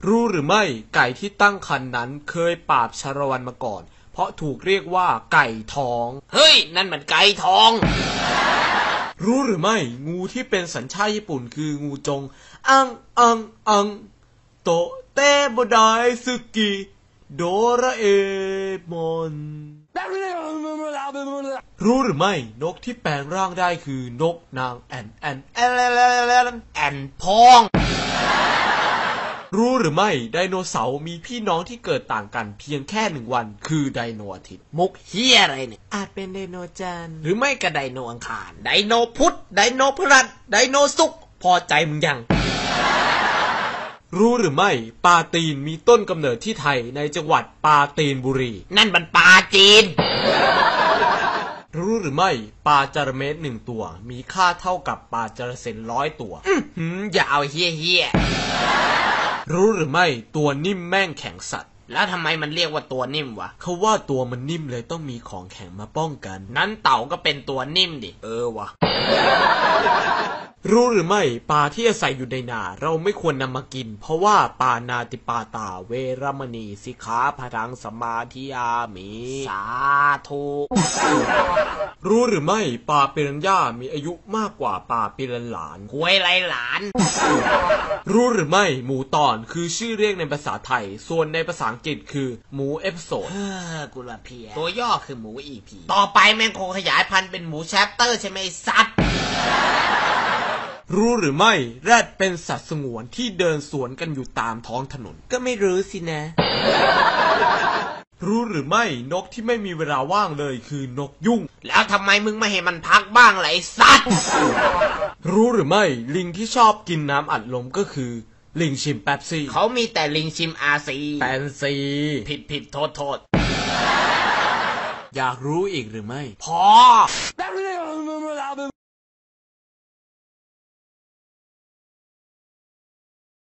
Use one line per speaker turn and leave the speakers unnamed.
รู้หรือไม่ไก่ที่ตั้งครรภ์นั้นเคยปราบชาละวันมาก่อนเพราะถูกเรียกว่าไก่ทอง
เฮ้ยนั่นมันไก่ทอง
รู้หรือไม่งูที่เป็นสัญชาติญี่ปุ่นคืองูจงอังโตเตโบไดซึกิโดราเอมอนรู้หรือไม่นกที่แปลงร่างได้คือนกนางแอนพองรู้หรือไม่ไดโนเสาร์มีพี่น้องที่เกิดต่างกันเพียงแค่1 วันคือไดโนอาทิตย์
มุกเฮียอะไรเนี่ย
อาจเป็นไดโนจันทร์
หรือไม่ก็ไดโนอังคารไดโนพุธไดโนพฤหัสไดโนศุกร์พอใจมึงยัง
รู้หรือไม่ปลาตีนมีต้นกำเนิดที่ไทยในจังหวัดปราจีนบุรี
นั่นมันปลาจีน
รู้หรือไม่ปลาจระเม็ด1 ตัวมีค่าเท่ากับปลาจระเซน100 ตัว
อย่าเอาเฮีย
รู้หรือไม่ตัวนิ่มแม่งแข็งสัตว์
แล้วทำไมมันเรียกว่าตัวนิ่มวะ
เขาว่าตัวมันนิ่มเลยต้องมีของแข็งมาป้องกัน
นั้นเต่าก็เป็นตัวนิ่มดิวะ
รู้หรือไม่ปลาที่อาศัยอยู่ในนาเราไม่ควรนำมากินเพราะว่าปานาติปาตาเวรมณีสิกขาพทังสมาธิยามิ
สาธุ
รู้หรือไม่ปลาปิรันย่ามีอายุมากกว่าปลาปิรันหลาน
หวยไรหลาน
รู้หรือไม่หมูตอนคือชื่อเรียกในภาษาไทยส่วนในภาษาอังกฤษคือหมูเอพิโซด
กูละเพียตัวย่อคือหมูอีพีต่อไปแม่งคงขยายพันธุ์เป็นหมูแชปเตอร์ใช่ไหมสัตว์
รู้หรือไม่แรดเป็นสัตว์สงวนที่เดินสวนกันอยู่ตามท้องถนน
ก็ไม่รู้สินะ
รู้หรือไม่นกที่ไม่มีเวลาว่างเลยคือนกยุง
แล้วทำไมมึงไม่ให้มันพักบ้างล่ะไอ้สัตว์
รู้หรือไม่ลิงที่ชอบกินน้ำอัดลมก็คือลิงชิมแป๊บซี่
เขามีแต่ลิงชิมอาซี
แปนซี
ผิดโทษ
อยากรู้อีกหรือไม่
พอ